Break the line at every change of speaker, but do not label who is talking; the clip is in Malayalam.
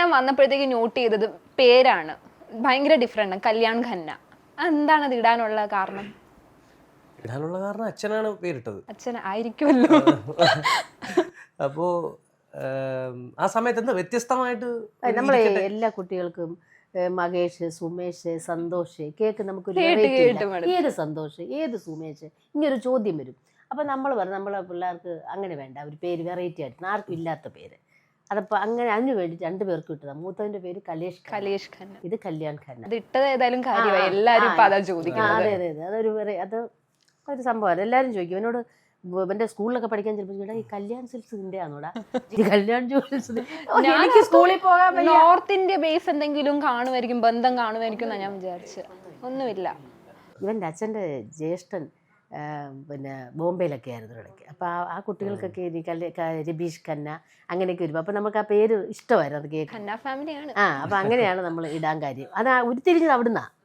ഞാൻ വന്നപ്പോഴത്തേക്ക് നോട്ട് ചെയ്തത് പേരാണ് ഭയങ്കര ഡിഫറെന്റ്, കല്യാൺ ഖന്ന. എന്താണ് അത് ഇടാനുള്ള കാരണം?
ഇടാനുള്ള കാരണം അച്ഛനാണ് പേരിട്ടത്.
അച്ഛൻ ആയിരിക്കുമല്ലോ.
അപ്പോ ആ സമയത്ത് എന്താ വ്യത്യസ്തമായിട്ട്
നമ്മളെ എല്ലാ കുട്ടികൾക്കും മകേഷ്, സുമേഷ്, സന്തോഷ് കേക്ക് നമുക്കൊരു ഏത് സന്തോഷ്, ഏത് സുമേഷ്, ഇങ്ങനൊരു ചോദ്യം വരും. അപ്പം നമ്മൾ പറഞ്ഞു നമ്മളെ പിള്ളേർക്ക് അങ്ങനെ വേണ്ട, ഒരു പേര് വെറൈറ്റി ആയിട്ട് ആർക്കും ഇല്ലാത്ത പേര്. അതപ്പോൾ അങ്ങനെ അതിന് വേണ്ടി 2 പേർക്ക് ഇട്ടതാണ്. മൂത്തവൻ്റെ പേര് കലേഷ് ഖന്ന, ഇത് കല്യാൺ ഖന്ന.
ഇട്ടത് ഏതായാലും കാര്യമായി, എല്ലാവരും ഇപ്പൊ അതാ ചോദിക്കുന്നത്.
അതെ അതെ അതെ, അത് ഒരു സംഭവമാണ്. എല്ലാവരും ചോദിക്കും എന്നോട്. എൻ്റെ സ്കൂളിലൊക്കെ പഠിക്കാൻ ചിലപ്പോൾ ഈ കല്യാൺ സിൽക്സിന്റെ ആണോടാ, കല്യാൺ ജുവൽസ്. എനിക്ക് സ്കൂളിൽ പോകാൻ
നോർത്ത് ഇന്ത്യ ബേസ് എന്തെങ്കിലും കാണുമായിരിക്കും, ബന്ധം കാണുമായിരിക്കും എന്നാണ് ഞാൻ വിചാരിച്ചത്. ഒന്നുമില്ല.
ഇവൻ്റെ അച്ഛൻ്റെ ജ്യേഷ്ഠൻ പിന്നെ ബോംബെയിലൊക്കെ ആയിരുന്നു ഇടയ്ക്ക്. അപ്പോൾ ആ കുട്ടികൾക്കൊക്കെ രബീഷ് ഖന്ന അങ്ങനെയൊക്കെ വരും. അപ്പോൾ നമുക്ക് ആ പേര് ഇഷ്ടമായിരുന്നു, അത് കേൾക്കാൻ.
ഖന്ന ഫാമിലിയാണ്.
അപ്പോൾ അങ്ങനെയാണ് നമ്മൾ ഇടാൻ കാര്യം. അത് ഉരുത്തിരിഞ്ഞത് അവിടുന്നാണ്.